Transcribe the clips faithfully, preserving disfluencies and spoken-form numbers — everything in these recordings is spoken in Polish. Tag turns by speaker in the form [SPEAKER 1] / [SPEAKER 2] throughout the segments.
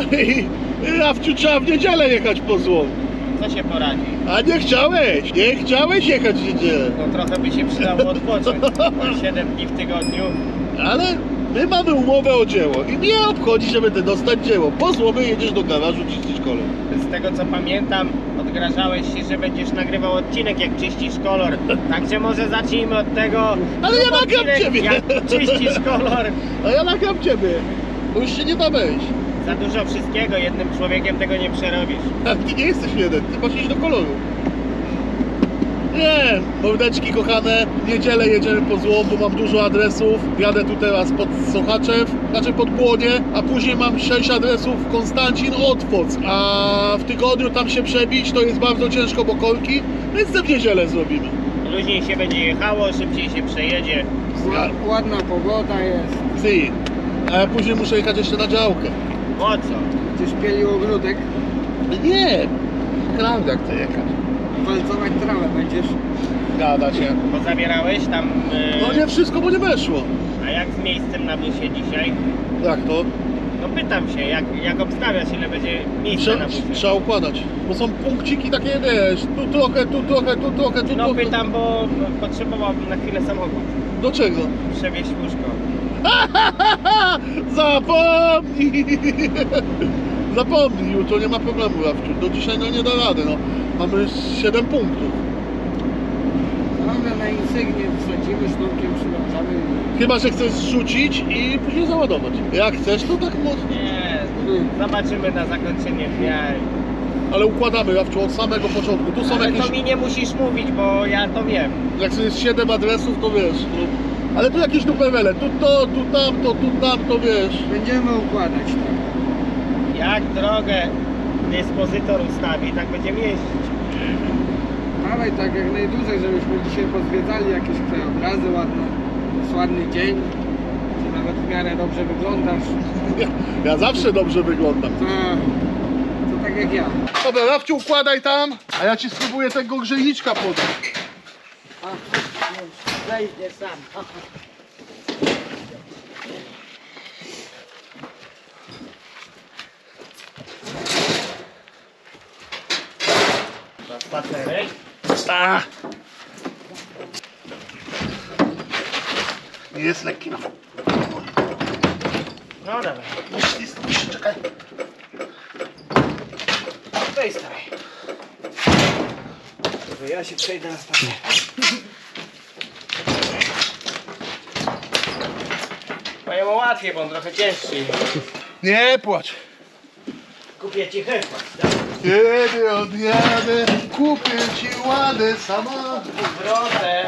[SPEAKER 1] i Rafciu, trzeba w niedzielę jechać po złom.
[SPEAKER 2] Co się poradzi?
[SPEAKER 1] A nie chciałeś, nie chciałeś jechać w niedzielę.
[SPEAKER 2] No trochę by się przydało odpocząć. siedem dni w tygodniu.
[SPEAKER 1] Ale my mamy umowę o dzieło i mnie obchodzi, że będę dostać dzieło. Po złomy jedziesz do garażu czyścić kolor.
[SPEAKER 2] Z tego co pamiętam, odgrażałeś się, że będziesz nagrywał odcinek jak czyścisz kolor. Także może zacznijmy od tego.
[SPEAKER 1] Ale ja nagram
[SPEAKER 2] odcinek,
[SPEAKER 1] ciebie.
[SPEAKER 2] Jak czyścisz kolor.
[SPEAKER 1] A ja nagram ciebie, bo już się nie da wejść.
[SPEAKER 2] Za dużo wszystkiego, jednym człowiekiem tego nie przerobisz.
[SPEAKER 1] A ty nie jesteś jeden, ty masz iść do koloru. Nie, mordeczki kochane, w niedzielę jedziemy po złom, bo mam dużo adresów. Jadę tu teraz pod Sochaczew, znaczy pod Błonie, a później mam sześć adresów Konstancin, Otwoc. A w tygodniu tam się przebić to jest bardzo ciężko, bo kolki, więc to w niedzielę zrobimy.
[SPEAKER 2] Luźniej się będzie jechało, szybciej się przejedzie.
[SPEAKER 1] Zga-
[SPEAKER 3] Ładna pogoda jest.
[SPEAKER 1] Si. A ja później muszę jechać jeszcze na działkę.
[SPEAKER 2] Po co?
[SPEAKER 3] Będziesz pielił ogródek,
[SPEAKER 1] Nie, prawda chcę jechać.
[SPEAKER 3] walcować trawę będziesz.
[SPEAKER 1] Gada się.
[SPEAKER 2] Bo zabierałeś tam... Yy...
[SPEAKER 1] No nie wszystko, bo nie weszło.
[SPEAKER 2] A jak z miejscem na busie dzisiaj?
[SPEAKER 1] Jak to?
[SPEAKER 2] No pytam się, jak, jak obstawiać, ile będzie miejsca
[SPEAKER 1] Trze-
[SPEAKER 2] na busie?
[SPEAKER 1] trzeba układać, bo są punkciki takie, wiesz, tu trochę, tu trochę, tu trochę, tu
[SPEAKER 2] No
[SPEAKER 1] trochę.
[SPEAKER 2] pytam, bo potrzebowałbym na chwilę samochód.
[SPEAKER 1] Do czego?
[SPEAKER 2] Przewieźć łóżko.
[SPEAKER 1] Zapomnij! Zapomnij, jutro nie ma problemu, Rafciu. Do dzisiaj no nie da rady, no. Mamy siedem punktów.
[SPEAKER 3] Mamy na insygnię, wsadzimy sznurkiem, przywiązamy.
[SPEAKER 1] Chyba że chcesz zrzucić i później załadować. Jak chcesz, to tak mocno.
[SPEAKER 2] Nie, zobaczymy na zakończenie dnia.
[SPEAKER 1] Ale układamy, Rafciu, od samego początku. Tu są
[SPEAKER 2] Ale
[SPEAKER 1] jakieś...
[SPEAKER 2] to mi nie musisz mówić, bo ja to wiem.
[SPEAKER 1] Jak jest siedem adresów, to wiesz. No. Ale tu jakieś duperele. Tu to, tu tamto, tu tamto, wiesz.
[SPEAKER 3] Będziemy układać tak.
[SPEAKER 2] Jak drogę dyspozytor ustawi, tak będziemy jeździć.
[SPEAKER 3] Dawaj tak jak najdłużej, żebyśmy dzisiaj pozwiedzali jakieś krajobrazy ładne. Jest ładny dzień. Ty nawet w miarę dobrze wyglądasz.
[SPEAKER 1] Ja, ja zawsze dobrze wyglądam.
[SPEAKER 3] To, to tak jak ja.
[SPEAKER 1] Dobra, Rafciu, układaj tam, a ja ci spróbuję tego grzejniczka podać.
[SPEAKER 3] Wejdę sam.
[SPEAKER 2] Spacerek.
[SPEAKER 1] A. Nie jest lekki, no.
[SPEAKER 2] No dobra.
[SPEAKER 1] Myśli, myśli, czekaj.
[SPEAKER 2] To jest stawaj. Dobra, ja się przejdę na spacer. Moje łatwiej, bo on trochę cięższy.
[SPEAKER 1] Nie płacz.
[SPEAKER 2] Kupię ci herbat, tak?
[SPEAKER 1] Kiedy odjadę, kupię ci ładę sama.
[SPEAKER 2] W drodze.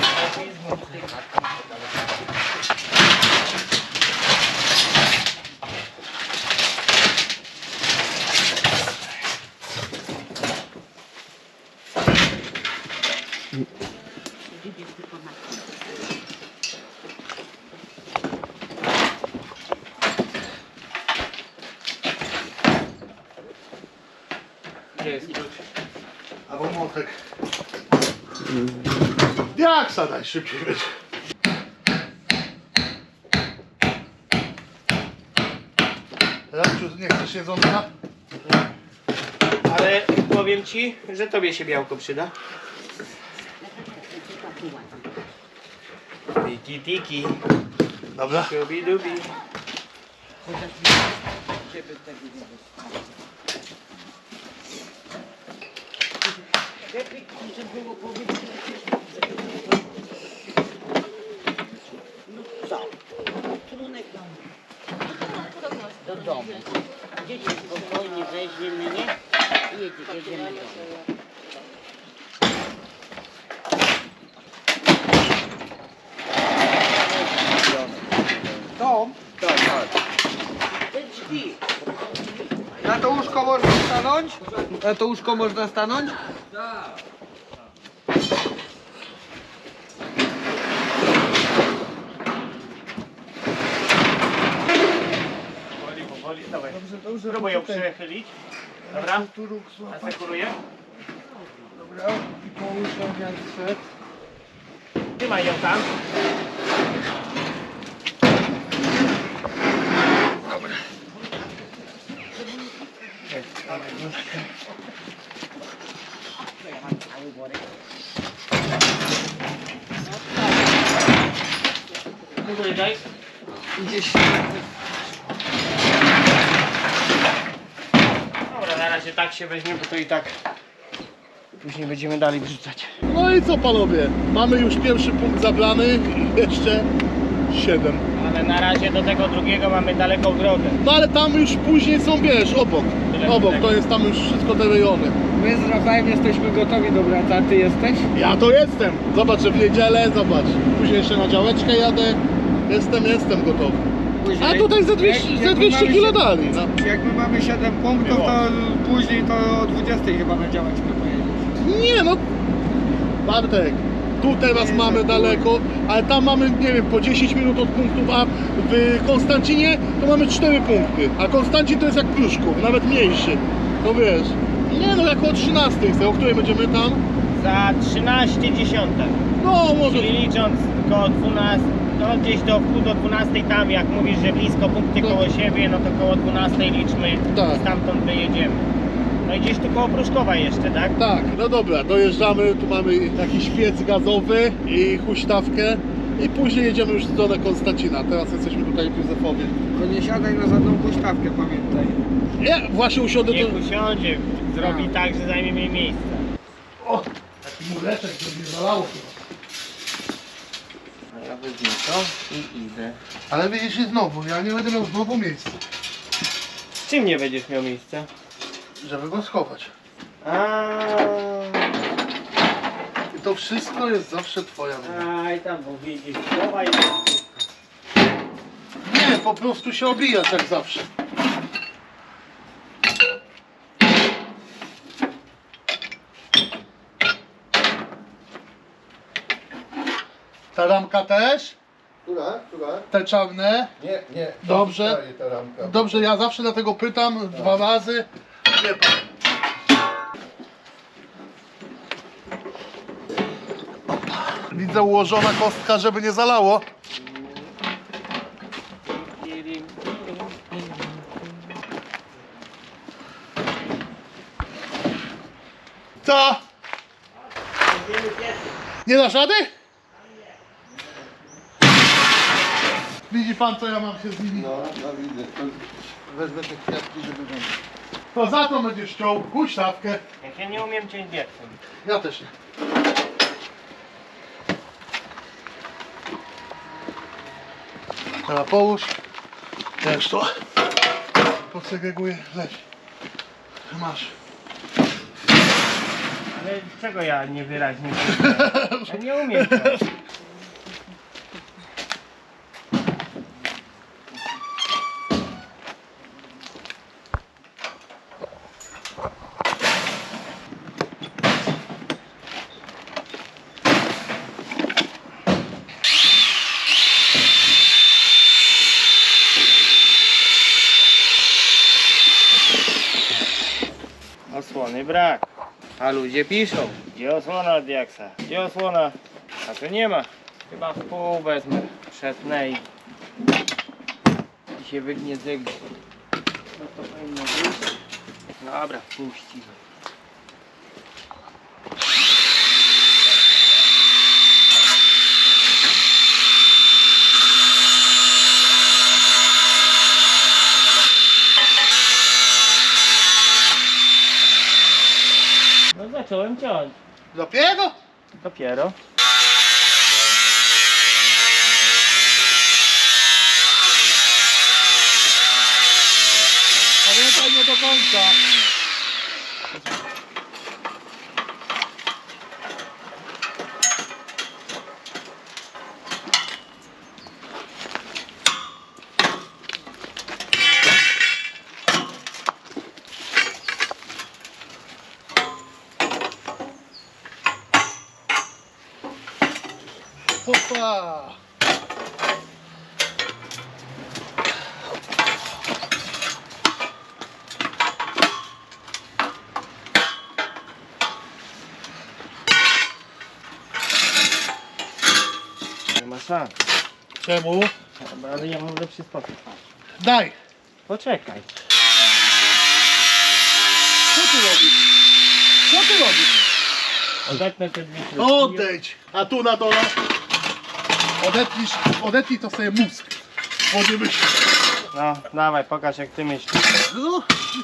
[SPEAKER 2] Gdzie jest klucz?
[SPEAKER 1] Albo młotek. Jak sadaj szybciej będzie. Rafciu, nie chcesz jedzonka?
[SPEAKER 2] Ale powiem ci, że tobie się białko przyda. Tiki tiki.
[SPEAKER 1] Dobra.
[SPEAKER 2] Dubi dubi.
[SPEAKER 4] Do domu. Dzieci spokojnie weźmiemy, nie? I jedzie, jedziemy do domu.
[SPEAKER 3] Dom? Tak, tak.
[SPEAKER 4] Te drzwi.
[SPEAKER 3] Na to łóżko można stanąć? Na to łóżko można stanąć?
[SPEAKER 2] Powoli, powoli, dawaj. Spróbuj ją przechylić. Dobra?
[SPEAKER 3] Tu róg złapać.
[SPEAKER 2] Asekuruję.
[SPEAKER 3] Dobra. I połóż ją jak szedł.
[SPEAKER 2] Trzymaj ją tam.
[SPEAKER 3] Gdzieś
[SPEAKER 2] Dobra, na razie tak się weźmie, bo to i tak później będziemy dalej wrzucać.
[SPEAKER 1] No i co panowie, mamy już pierwszy punkt zabrany i jeszcze siedem.
[SPEAKER 2] Ale na razie do tego drugiego mamy daleką drogę.
[SPEAKER 1] No ale tam już później są, wiesz, obok.
[SPEAKER 2] Tyle
[SPEAKER 1] Obok,
[SPEAKER 2] tego.
[SPEAKER 1] to jest tam już wszystko te rejony.
[SPEAKER 3] my z Rafałem jesteśmy gotowi do pracy, a ty jesteś?
[SPEAKER 1] Ja to jestem. Zobacz, że w niedzielę, zobacz. Później jeszcze na działeczkę jadę. Jestem, jestem gotowy. A tutaj ze dwieście,
[SPEAKER 3] Jak-
[SPEAKER 1] ze
[SPEAKER 3] jak my
[SPEAKER 1] dwieście
[SPEAKER 3] mamy
[SPEAKER 1] kilo
[SPEAKER 3] się-
[SPEAKER 1] dali. No.
[SPEAKER 3] Jak my mamy siedem punktów,
[SPEAKER 2] Było.
[SPEAKER 3] to później to o dwudziestej chyba na działeczkę pojedziesz.
[SPEAKER 1] Nie no, Bartek, tu teraz
[SPEAKER 3] Nie,
[SPEAKER 1] mamy
[SPEAKER 3] za
[SPEAKER 1] daleko, ale tam mamy, nie wiem, po dziesięć minut od punktów, a w Konstancinie to mamy cztery punkty, a Konstancin to jest jak Pruszków, nawet mniejszy, to wiesz. Nie no, jak o trzynastej chcę, o której będziemy tam?
[SPEAKER 2] Za trzynaście dziesiątek.
[SPEAKER 1] No może,
[SPEAKER 2] Czyli licząc koło dwunastej, no gdzieś do wpół do dwunastej tam, jak mówisz, że blisko punkty
[SPEAKER 1] No.
[SPEAKER 2] koło siebie, no to koło dwunastej liczmy,
[SPEAKER 1] Tak.
[SPEAKER 2] stamtąd wyjedziemy. No i gdzieś tu koło Pruszkowa jeszcze, tak?
[SPEAKER 1] tak, no dobra, dojeżdżamy, tu mamy jakiś piec gazowy i huśtawkę i później jedziemy już w stronę Konstancina, teraz jesteśmy tutaj w Józefowie.
[SPEAKER 3] Tylko nie siadaj na żadną huśtawkę, pamiętaj.
[SPEAKER 1] Nie, właśnie usiądę
[SPEAKER 2] Niech
[SPEAKER 1] to...
[SPEAKER 2] usiądzie, zrobi tak, że zajmie mi miejsce.
[SPEAKER 1] O, taki mureczek, żeby nie zalało chyba.
[SPEAKER 2] A ja wezmę to i idę.
[SPEAKER 1] Ale widzisz, i znowu, ja nie będę miał znowu miejsca,
[SPEAKER 2] Z czym nie będziesz miał miejsca?
[SPEAKER 1] żeby go schować.
[SPEAKER 2] A,
[SPEAKER 1] I to wszystko jest zawsze twoja wina.
[SPEAKER 2] aj tam, bo widzisz, chowaj.
[SPEAKER 1] Nie, po prostu się obijasz jak zawsze. Ta ramka też?
[SPEAKER 5] Która? Która?
[SPEAKER 1] Te czarne?
[SPEAKER 5] Nie, nie. to
[SPEAKER 1] Dobrze.
[SPEAKER 5] zostaje ta ramka.
[SPEAKER 1] Dobrze, ja zawsze dlatego pytam dwa razy. Nie pan. Widzę ułożona kostka, żeby nie zalało. Co? Nie dasz rady? Widzi pan, co ja mam się z nimi?
[SPEAKER 5] No, no widzę. To wezmę te kwiatki, żeby wam...
[SPEAKER 1] To za to będziesz ciął huśtawkę.
[SPEAKER 2] Jak ja nie umiem ciąć wiercem.
[SPEAKER 1] Ja też nie. Teraz połóż. Też to. Posegreguję. Leś. Masz.
[SPEAKER 2] Ale czego ja niewyraźnie powiedziałem? Ja nie umiem ciąć. Osłony brak. A ludzie piszą. Gdzie osłona od Diaksa? Gdzie osłona? A tu nie ma. Chyba w pół wezmę. Przetnę i, i się wygnie zygnie. No to powinno być. Dobra, puścimy. No zacząłem ciąć.
[SPEAKER 1] Dopiero?
[SPEAKER 2] Dopiero.
[SPEAKER 1] Pamiętaj, nie do końca. Hopa!
[SPEAKER 2] Nie ma szans.
[SPEAKER 1] Czemu?
[SPEAKER 2] Dobra, ale ja mam lepszy sposób.
[SPEAKER 1] Daj!
[SPEAKER 2] Poczekaj. Odetnę te dwie śrubki.
[SPEAKER 1] Odejdź! A tu na dole odetnisz, odetnij to sobie mózg. Bo nie myślisz.
[SPEAKER 2] No, dawaj, pokaż jak ty myślisz.
[SPEAKER 1] No,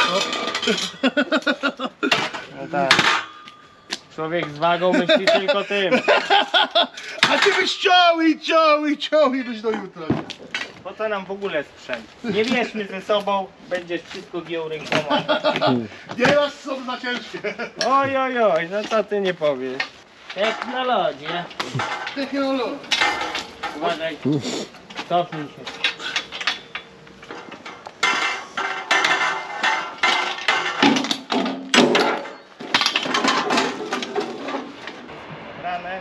[SPEAKER 2] No tak. Człowiek z wagą myśli tylko tym.
[SPEAKER 1] a ty byś ciął i ciął i ciął i byś do jutra.
[SPEAKER 2] Po co nam w ogóle sprzęt? Nie bierzmy ze sobą, będziesz wszystko giął rękoma.
[SPEAKER 1] Nie masz są za ciężkie.
[SPEAKER 2] Oj, oj, oj, no co ty nie powiesz? Technologia.
[SPEAKER 1] Technologia.
[SPEAKER 2] Uważaj. Cofnij się. Ranę.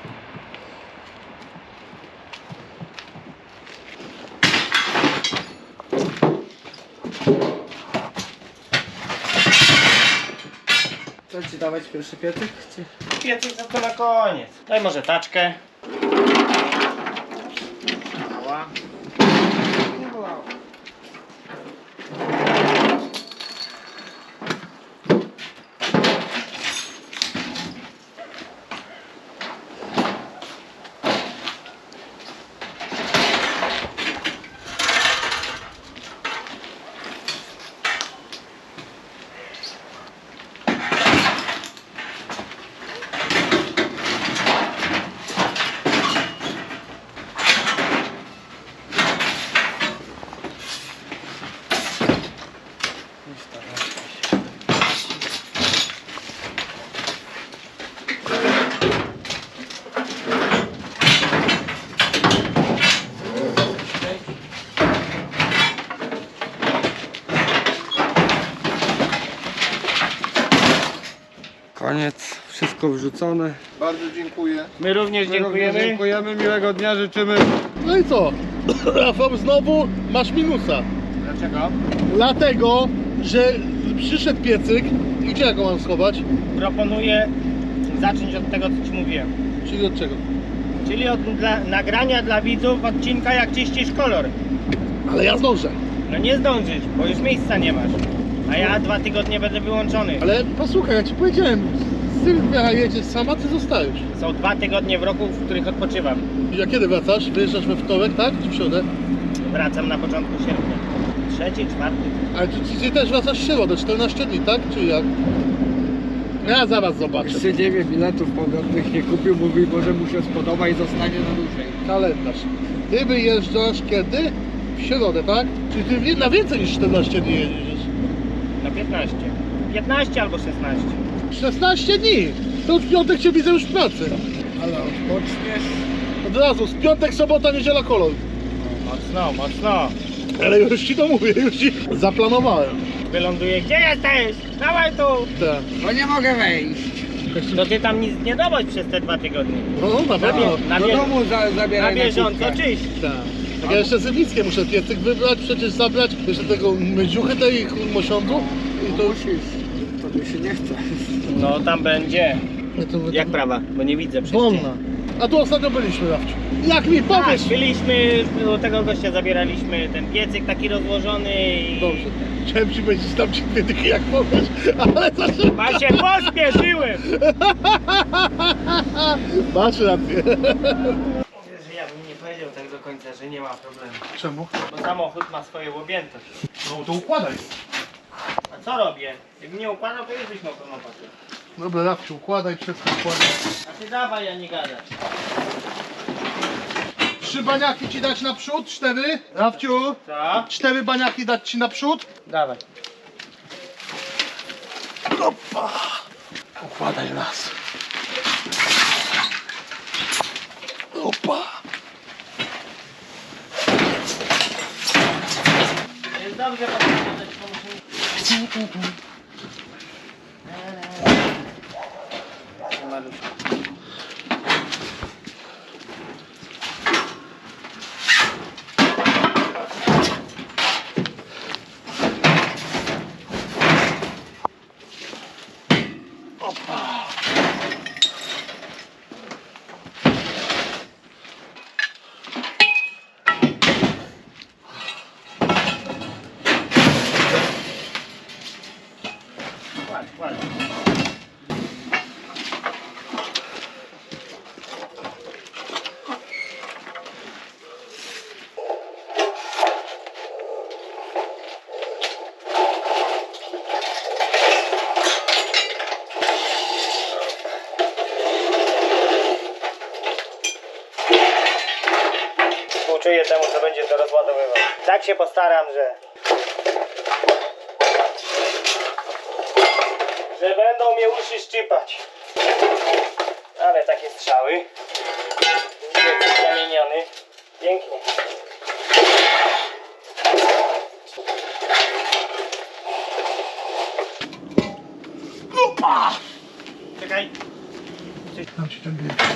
[SPEAKER 3] Co ci dawać pierwszy piecyk? Czy...
[SPEAKER 2] Piecyk za to na koniec. Daj może taczkę. Mała.
[SPEAKER 3] Nie bolało. Koniec, wszystko wrzucone.
[SPEAKER 5] Bardzo dziękuję.
[SPEAKER 2] My również dziękujemy.
[SPEAKER 3] Dziękujemy, miłego dnia życzymy.
[SPEAKER 1] No i co? Rafał, znowu masz minusa.
[SPEAKER 2] Dlaczego?
[SPEAKER 1] Dlatego, że przyszedł piecyk i gdzie ja go mam schować?
[SPEAKER 2] Proponuję zacząć od tego, co ci mówiłem.
[SPEAKER 1] Czyli od czego?
[SPEAKER 2] Czyli od dla, nagrania dla widzów odcinka, jak czyścisz kolor.
[SPEAKER 1] Ale ja zdążę.
[SPEAKER 2] No nie zdążysz, bo już miejsca nie masz. A ja dwa tygodnie będę wyłączony.
[SPEAKER 1] Ale posłuchaj, ja ci powiedziałem, Sylwia jedzie sama, ty zostajesz.
[SPEAKER 2] Są dwa tygodnie w roku, w których odpoczywam.
[SPEAKER 1] A kiedy wracasz? Wyjeżdżasz we wtorek, tak? Czy w środę?
[SPEAKER 2] Wracam na początku sierpnia. Trzeci, czwarty.
[SPEAKER 1] Ale ty, ty też wracasz w środę, czternaście dni, tak? Czy jak? Ja zaraz zobaczę.
[SPEAKER 3] Jeszcze dziewięć biletów powrotnych nie kupił, mówi, może mu się spodoba i zostanie na dłużej.
[SPEAKER 1] Kalendarz. Ty wyjeżdżasz kiedy? W środę, tak? Czyli ty na więcej niż czternaście dni jedziesz.
[SPEAKER 2] Na piętnaście. piętnaście albo szesnaście.
[SPEAKER 1] szesnaście dni! To w piątek cię widzę już w pracy.
[SPEAKER 3] Ale odpoczniesz.
[SPEAKER 1] Od razu, z piątek, sobota, niedziela, kolor.
[SPEAKER 2] Mocno, mocno.
[SPEAKER 1] Ale już ci to mówię, już ci zaplanowałem.
[SPEAKER 2] Wyląduję. Gdzie jesteś? Dawaj tu!
[SPEAKER 1] Tak.
[SPEAKER 3] Bo nie mogę wejść.
[SPEAKER 2] No ty tam nic nie dowoź przez te dwa tygodnie.
[SPEAKER 1] No, no na
[SPEAKER 2] Na,
[SPEAKER 1] pewno.
[SPEAKER 2] bie- na,
[SPEAKER 3] Do
[SPEAKER 2] bie-
[SPEAKER 3] domu za,
[SPEAKER 2] na
[SPEAKER 3] zabieraj
[SPEAKER 2] bieżąco
[SPEAKER 3] kubkę.
[SPEAKER 2] czyść.
[SPEAKER 1] Tak. Tak ja jeszcze Zybickie muszę piecyk wybrać, przecież zabrać, jeszcze tego mydziuchy tej mosiądzu i to już...
[SPEAKER 3] Musisz. To mi się nie chce.
[SPEAKER 2] No tam będzie.
[SPEAKER 1] To,
[SPEAKER 2] Jak prawa? Bo nie widzę przez
[SPEAKER 1] Wolna.
[SPEAKER 2] cień.
[SPEAKER 1] A tu ostatnio byliśmy, Rafciu. Jak mi
[SPEAKER 2] Tak,
[SPEAKER 1] powiesz?
[SPEAKER 2] byliśmy, u tego gościa zabieraliśmy ten piecyk taki rozłożony i...
[SPEAKER 1] Dobrze. Chciałem ci powiedzieć, tam ci dwie dychy jak powiesz, ale zawsze...
[SPEAKER 2] A się pospieszyłem!
[SPEAKER 1] Masz rację.
[SPEAKER 2] Wiesz, że ja bym nie powiedział tak do końca, że nie ma problemu.
[SPEAKER 1] Czemu?
[SPEAKER 2] Bo samochód ma swoją objętość.
[SPEAKER 1] No to układaj.
[SPEAKER 2] A co robię? Jakbym nie układał, to już byś miał pełną pakę.
[SPEAKER 1] Dobra, Rafciu, układaj, wszystko układaj.
[SPEAKER 2] A ty dawaj, ja nie gadać.
[SPEAKER 1] Trzy baniaki ci dać naprzód, cztery. Rafciu,
[SPEAKER 2] Co?
[SPEAKER 1] cztery baniaki dać ci naprzód.
[SPEAKER 2] Dawaj.
[SPEAKER 1] Opa. Układaj raz. Opa.
[SPEAKER 2] Jest dobrze, bo musimy... Maluszko. Kładź, kładź. temu, co będzie to rozładowywał. Tak się postaram, że... że będą mnie uszy szczypać. Ale takie strzały. Jest zamieniony. Pięknie. Opa! Czekaj.
[SPEAKER 1] Dam ci ten bieg.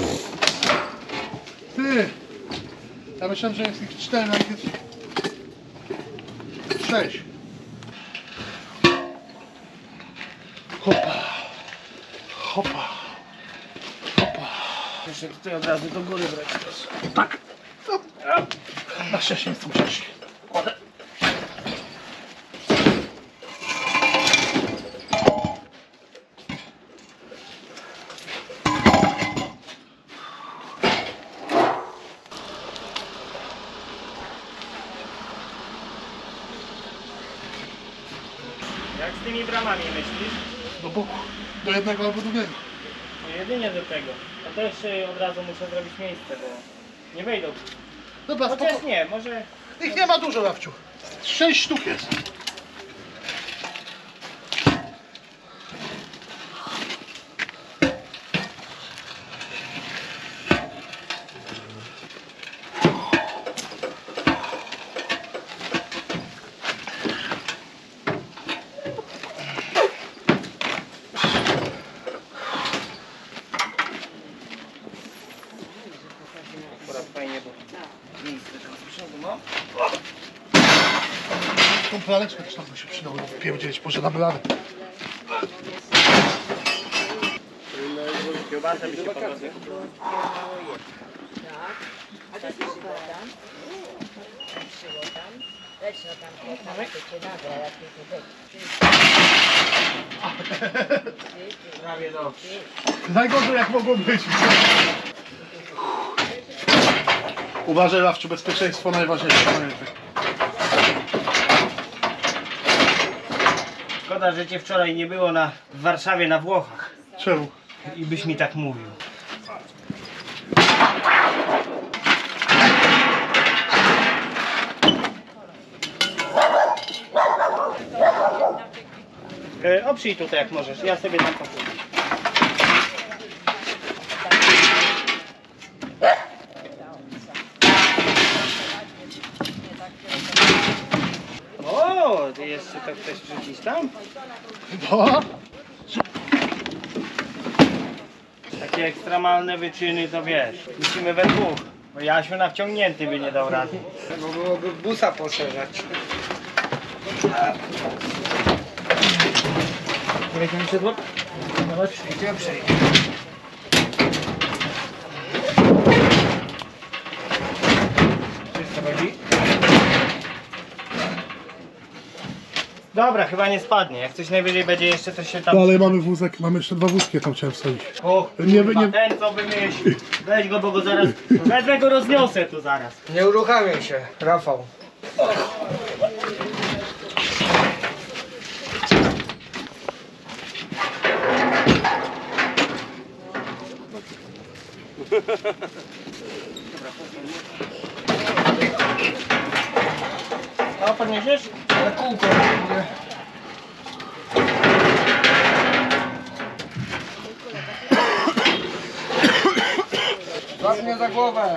[SPEAKER 1] Ty! Ja myślałem, że jest ich cztery, ale jest sześć. Hopa. Hopa. Hopa.
[SPEAKER 2] Muszę tutaj od razu do góry brać też.
[SPEAKER 1] Tak. Na szczęście nie chcę musieć. Kładę.
[SPEAKER 2] Jak z tymi bramami myślisz?
[SPEAKER 1] Do boku. Do jednego albo drugiego.
[SPEAKER 2] No jedynie do tego. A też y, od razu muszę zrobić miejsce, bo nie wejdą.
[SPEAKER 1] Dobra,
[SPEAKER 2] Chociaż
[SPEAKER 1] spoko.
[SPEAKER 2] nie, może...
[SPEAKER 1] Ich nie ma dużo, Rafciu. Sześć sztuk jest.
[SPEAKER 2] Akurat fajnie, bo miejsce tam z przodu, no.
[SPEAKER 1] Tą praleczkę też tam by się przydało pierdzielić, może damy radę.
[SPEAKER 2] Kiełbasę by się podobał.
[SPEAKER 4] A to jest tam? Leć no tam, tam to cię nagra, jak ty tu być.
[SPEAKER 2] Prawie dobrze.
[SPEAKER 1] Najgorzej jak mogło być. Uważaj, Rafciu, bezpieczeństwo najważniejsze. Pamiętaj.
[SPEAKER 2] Szkoda, że cię wczoraj nie było na, w Warszawie na Włochach.
[SPEAKER 1] Czemu?
[SPEAKER 2] I byś mi tak mówił. E, oprzyj tutaj jak możesz, ja sobie tam popłyję. O, ty jeszcze to chcesz wrzucić tam?
[SPEAKER 1] No.
[SPEAKER 2] Takie ekstremalne wyczyny to wiesz, musimy we dwóch. Bo Jasiu na wciągnięty by nie dał rady.
[SPEAKER 3] Bo byłoby busa poszerzać.
[SPEAKER 2] Jakie mi siedło? Zobacz.
[SPEAKER 3] Przejdzie, przejdzie.
[SPEAKER 2] Wszystko chodzi? Dobra, chyba nie spadnie. Jak coś najwyżej będzie jeszcze, to się tam...
[SPEAKER 1] Dalej mamy wózek, mamy jeszcze dwa wózki, tam chciałem wsadzić.
[SPEAKER 2] O,
[SPEAKER 1] Nie,
[SPEAKER 2] kurwa,
[SPEAKER 1] nie-
[SPEAKER 2] ten co wymyślił. Weź go, bo go zaraz... Wezmę go, rozniosę tu zaraz.
[SPEAKER 3] Nie uruchamiaj się, Rafał.
[SPEAKER 2] A podniesiesz?
[SPEAKER 3] Ale kółko będzie. Złap mnie za głowę.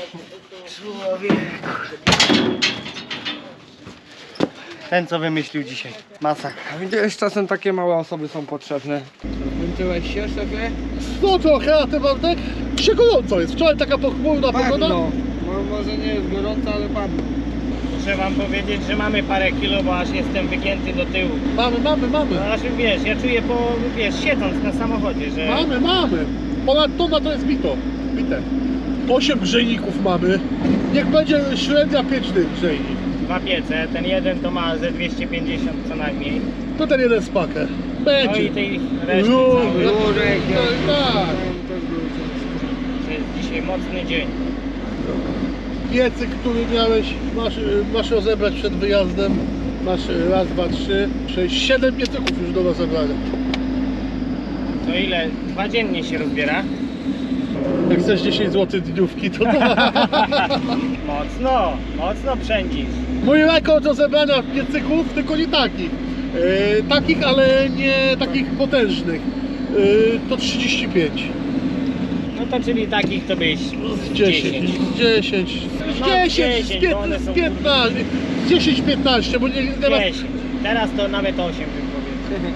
[SPEAKER 2] Ten co wymyślił dzisiaj. Masakra.
[SPEAKER 3] A widziałeś, czasem takie małe osoby są potrzebne. Zmęczyłeś się, szefie?
[SPEAKER 1] No trochę, a ty Bartek? Dzisiaj gorąco jest. Wczoraj taka pochmurna pogoda.
[SPEAKER 3] Padno. Mo- Może nie jest gorąco, ale padno.
[SPEAKER 2] Muszę wam powiedzieć, że mamy parę kilo, bo aż jestem wygięty do tyłu.
[SPEAKER 1] Mamy, mamy,
[SPEAKER 2] No
[SPEAKER 1] mamy.
[SPEAKER 2] aż wiesz, ja czuję po, wiesz, siedząc na samochodzie, że...
[SPEAKER 1] Mamy, mamy. Ponad tona to jest bito. Bite. Osiem grzejników mamy. Niech będzie średnia pięć tych grzejnik.
[SPEAKER 2] Dwa piece, ten jeden to ma ze dwieście pięćdziesiąt co najmniej.
[SPEAKER 1] To ten jeden spakę.
[SPEAKER 2] No i
[SPEAKER 1] Będzie.
[SPEAKER 2] tej reszty
[SPEAKER 1] No,
[SPEAKER 2] całej.
[SPEAKER 1] no.
[SPEAKER 3] Jurek,
[SPEAKER 1] Tak, tak.
[SPEAKER 2] To jest dzisiaj mocny dzień.
[SPEAKER 1] Piecyk, który miałeś, masz, masz rozebrać przed wyjazdem. Masz raz, dwa, trzy, sześć, siedem piecyków już do rozebrania.
[SPEAKER 2] To ile? Dwa dziennie się rozbiera?
[SPEAKER 1] Jak chcesz dziesięć złotych dniówki, to
[SPEAKER 2] Mocno, mocno przędzisz.
[SPEAKER 1] mój rekord do zebrania piecyków, tylko nie takich. Yy, takich, ale nie takich potężnych. Yy, to trzydzieści pięć.
[SPEAKER 2] No to czyli takich to byś
[SPEAKER 1] Z dziesięć. dziesięć.
[SPEAKER 2] No,
[SPEAKER 1] Z dziesięć, z
[SPEAKER 2] dziesięć, bo one
[SPEAKER 1] piętnaście,
[SPEAKER 2] są
[SPEAKER 1] z piętnaście. dziesięć piętnaście, bo nie, nie ma
[SPEAKER 2] dziesięć. Teraz to nawet osiem bym powiedział.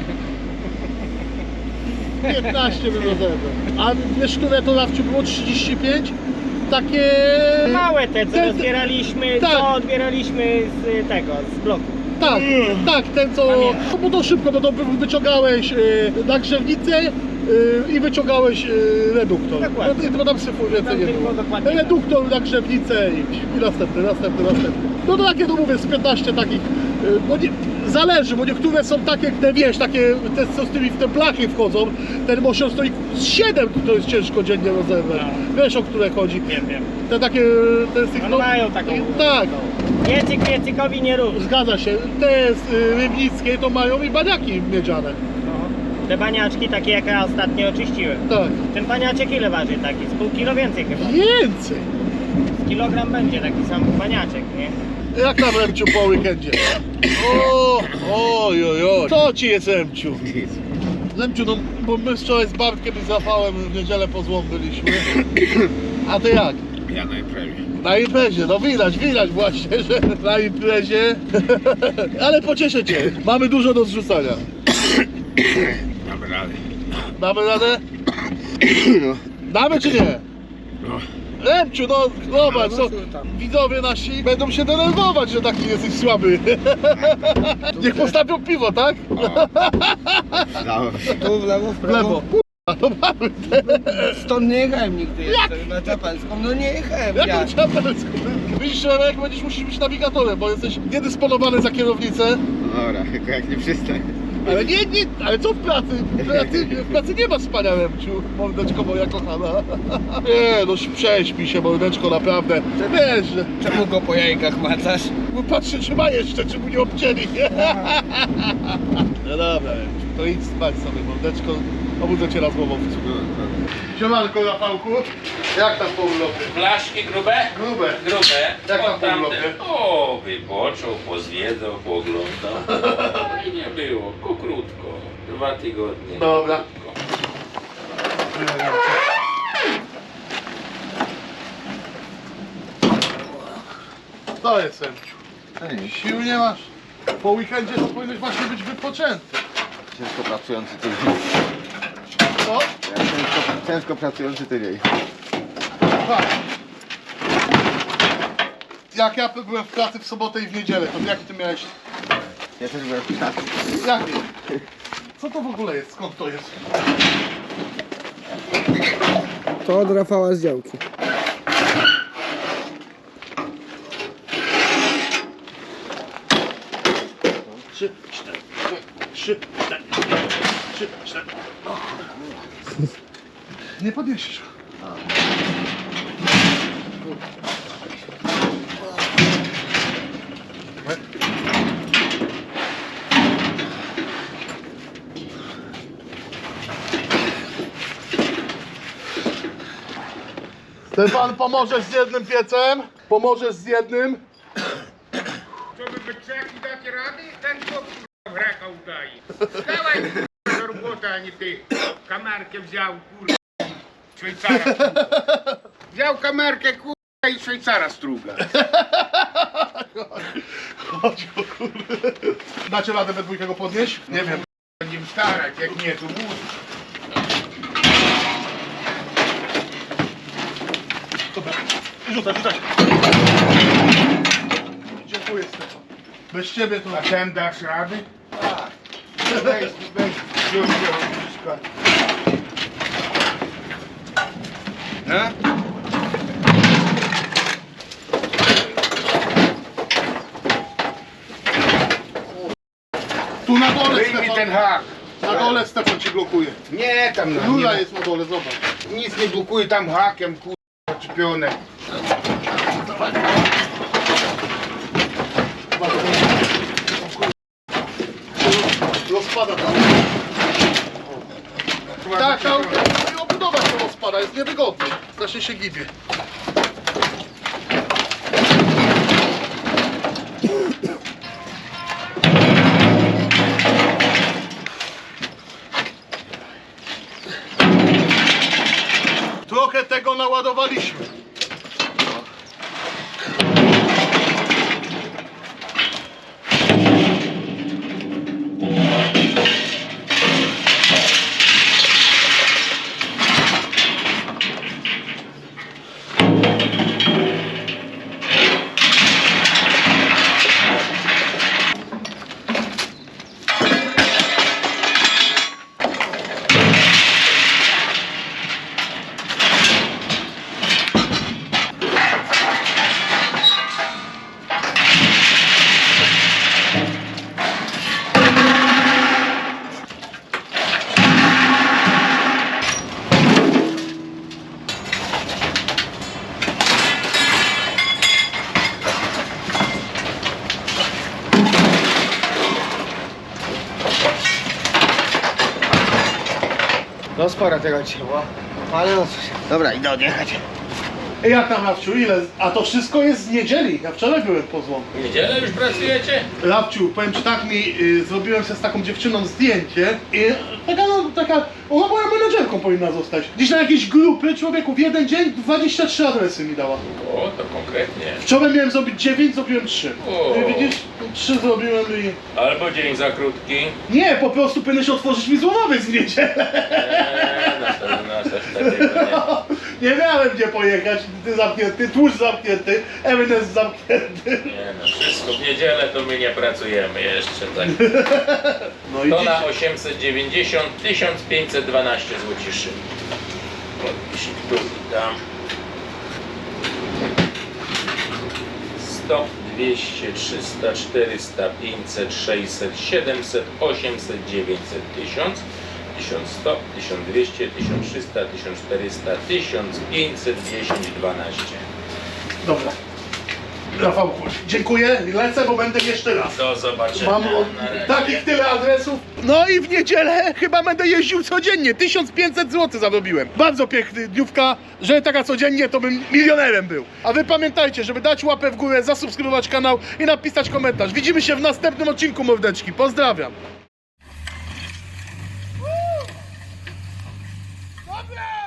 [SPEAKER 1] piętnaście bym rozebrał. A wiesz, które to Rafciu było trzydzieści pięć? Takie...
[SPEAKER 2] Małe te, co
[SPEAKER 1] Te- te-
[SPEAKER 2] rozbieraliśmy,
[SPEAKER 1] tak.
[SPEAKER 2] co odbieraliśmy z tego, z bloku.
[SPEAKER 1] Tak, tak, ten co...
[SPEAKER 2] Pamiętam.
[SPEAKER 1] No bo to szybko, bo to wyciągałeś yy, nagrzewnicę yy, i wyciągałeś yy, reduktor.
[SPEAKER 2] Dokładnie.
[SPEAKER 1] No, i to tam syfu więcej
[SPEAKER 2] Tam
[SPEAKER 1] nie
[SPEAKER 2] tylko
[SPEAKER 1] było.
[SPEAKER 2] dokładnie tak.
[SPEAKER 1] Reduktor, nagrzewnicę i, i następny, następny, następny. No to takie, no mówię, z piętnaście takich, yy, bo nie, zależy, bo niektóre są takie, te wiesz, takie, te co z tymi w te blachy wchodzą, ten motion stoi z siedem, to jest ciężko dziennie rozebrać.
[SPEAKER 2] No.
[SPEAKER 1] Wiesz, o które chodzi.
[SPEAKER 2] Wiem, wiem.
[SPEAKER 1] Te takie, te z tych,
[SPEAKER 2] One mają taką...
[SPEAKER 1] Tak.
[SPEAKER 2] Piecyk piecykowi nie rób.
[SPEAKER 1] Zgadza się, te z y, rybnickiej to mają i baniaki miedziane.
[SPEAKER 2] No. Te baniaczki takie jak ja ostatnio oczyściłem.
[SPEAKER 1] Tak.
[SPEAKER 2] Ten baniaczek ile waży taki? Z pół kilo więcej chyba.
[SPEAKER 1] Więcej!
[SPEAKER 2] Z kilogram będzie taki sam baniaczek, nie?
[SPEAKER 1] Jak tam Remciu po weekendzie? O, oj, oj, oj. Co ci jest Remciu? Remciu, no bo my wczoraj z Bartkiem i z Rafałem w niedzielę po złom byliśmy. A ty jak?
[SPEAKER 3] Ja na imprezie.
[SPEAKER 1] Na imprezie, no widać, widać właśnie, że na imprezie. Ale pocieszę cię, mamy dużo do zrzucania.
[SPEAKER 3] Mamy radę.
[SPEAKER 1] Damy radę?
[SPEAKER 3] No.
[SPEAKER 1] Damy czy nie?
[SPEAKER 3] No.
[SPEAKER 1] Remciu, no zobacz,
[SPEAKER 3] No,
[SPEAKER 1] co,
[SPEAKER 3] no, tam.
[SPEAKER 1] widzowie nasi będą się denerwować, że taki jesteś słaby. Niech postawią piwo, tak?
[SPEAKER 3] Tu w lewo, w
[SPEAKER 1] W
[SPEAKER 3] prawo.
[SPEAKER 1] lewo. Kurwa, no mamy te.
[SPEAKER 3] Stąd nie jechałem nigdy jeszcze na Czapelską. No nie jechałem. Ja.
[SPEAKER 1] Jaką ciapelską? Widzisz, Remek, będziesz musisz być nawigatorem, bo jesteś niedysponowany za kierownicę.
[SPEAKER 5] Dobra, tylko jak nie przystań.
[SPEAKER 1] Ale nie, nie, ale co w pracy? W pracy, w pracy nie ma spania, Remciu, mordeczko moja kochana. Nie, no prześpij się, mordeczko, naprawdę. Wiesz, że...
[SPEAKER 3] Czemu go po jajkach macasz?
[SPEAKER 1] Bo patrzę, czy ma jeszcze, czy mu nie obcięli. No dobra, Remciu, to idź spać sobie, mordeczko. Obudzę cię raz głową. Siemanko, Rafałku. Jak tam po urlopie?
[SPEAKER 6] Blaszki grube?
[SPEAKER 1] Grube.
[SPEAKER 6] Grube.
[SPEAKER 1] Jak tam
[SPEAKER 6] O,
[SPEAKER 1] po urlopie?
[SPEAKER 6] O, wypoczął, pozwiedzał, pooglądał. Fajnie było, ku krótko. Dwa tygodnie.
[SPEAKER 1] Dobra.
[SPEAKER 6] Krótko.
[SPEAKER 1] To jest, Remciu. Sił nie masz. Po weekendzie to powinieneś właśnie być wypoczęty.
[SPEAKER 5] Ciężko pracujący tydzień.
[SPEAKER 1] Co?
[SPEAKER 5] Ciężko, ciężko pracujący tydzień.
[SPEAKER 1] Tak. Jak ja byłem w pracy w sobotę i w niedzielę, to jaki ty miałeś?
[SPEAKER 5] Ja też byłem w pracy.
[SPEAKER 1] Jaki? Co to w ogóle jest? Skąd to jest?
[SPEAKER 3] To od Rafała z działki.
[SPEAKER 1] Trzy, cztery, trzy, cztery, trzy, cztery. O. Nie podniesiesz. Ten pan pomożesz z jednym piecem? Pomożesz z jednym?
[SPEAKER 7] Co wy byczaki dacie rady? Ten co kurwa wraka udaje. Dawaj kurwa do roboty, a nie ty. Kamerkę wziął kurwa. Szwajcara struga. Wziął kamerkę kurwa i Szwajcara struga.
[SPEAKER 1] Chodź o kurde. Dacie radę we dwójkę go podnieść? Nie wiem.
[SPEAKER 7] Będziemy starać, jak nie to wóz.
[SPEAKER 1] Dobra. Rzucaj, rzucaj. Dziękuję Stefan. Bez ciebie to...
[SPEAKER 7] A ten dasz rady? Tak. Weź, weź, wziąć wszystko. No?
[SPEAKER 1] Tu na dole
[SPEAKER 7] Wyjmij ten
[SPEAKER 1] Stefan.
[SPEAKER 7] hak.
[SPEAKER 1] Na dole Stefan ci blokuje.
[SPEAKER 7] Nie, tam na
[SPEAKER 1] Lula
[SPEAKER 7] nie,
[SPEAKER 1] jest na dole, zobacz.
[SPEAKER 7] nic nie blokuje, tam hakiem kurwa czepione.
[SPEAKER 1] Rozpada tam. Tak, tam. zamontować to rozpada, jest niewygodny. Strasznie się gibie. Trochę tego naładowaliśmy.
[SPEAKER 5] No sporo tego dzisiaj było. Ale no cóż. Dobra, idę odjechać.
[SPEAKER 1] Jak tam, Rafciu, ile? A to wszystko jest z niedzieli. Ja wczoraj byłem po złomku.
[SPEAKER 6] W niedzielę już pracujecie?
[SPEAKER 1] Rafciu, powiem ci tak, mi y, zrobiłem się z taką dziewczyną zdjęcie i taka, no, taka, ona moją menedżerką powinna zostać. Dziś na jakieś grupy, człowieku, w jeden dzień dwadzieścia trzy adresy mi dała.
[SPEAKER 6] O, to konkretnie.
[SPEAKER 1] Wczoraj miałem zrobić dziewięć, zrobiłem trzy.
[SPEAKER 6] O.
[SPEAKER 1] I widzisz, trzy zrobiłem i...
[SPEAKER 6] Albo dzień za krótki.
[SPEAKER 1] Nie, po prostu powinieneś otworzyć mi złomowiec w niedzielę.
[SPEAKER 6] Eee, na pewno nas aż takiego nie.
[SPEAKER 1] Nie miałem gdzie pojechać, ty zamknięty, tłuszcz zamknięty, Eminence zamknięty.
[SPEAKER 6] Nie no, wszystko w niedzielę to my nie pracujemy jeszcze tak.
[SPEAKER 1] No i
[SPEAKER 6] To
[SPEAKER 1] dziś...
[SPEAKER 6] na osiemset dziewięćdziesiąt tysiąc pięćset dwanaście złociszy. Podpisik tu i tam. sto, dwieście, trzysta, czterysta, pięćset, sześćset, siedemset, osiemset, dziewięćset, tysiąc, tysiąc sto, tysiąc dwieście, tysiąc trzysta, tysiąc czterysta, tysiąc pięćset dziesięć, dwanaście.
[SPEAKER 1] Dobra. Rafałku, dziękuję, lecę, bo będę jeszcze raz.
[SPEAKER 6] Do zobaczenia.
[SPEAKER 1] Mam od,
[SPEAKER 6] Na razie.
[SPEAKER 1] takich tyle adresów. No i w niedzielę chyba będę jeździł codziennie. tysiąc pięćset złotych zarobiłem. Bardzo piękny dniówka, że taka codziennie to bym milionerem był. A wy pamiętajcie, żeby dać łapę w górę, zasubskrybować kanał i napisać komentarz. Widzimy się w następnym odcinku, mordeczki. Pozdrawiam. Dobra!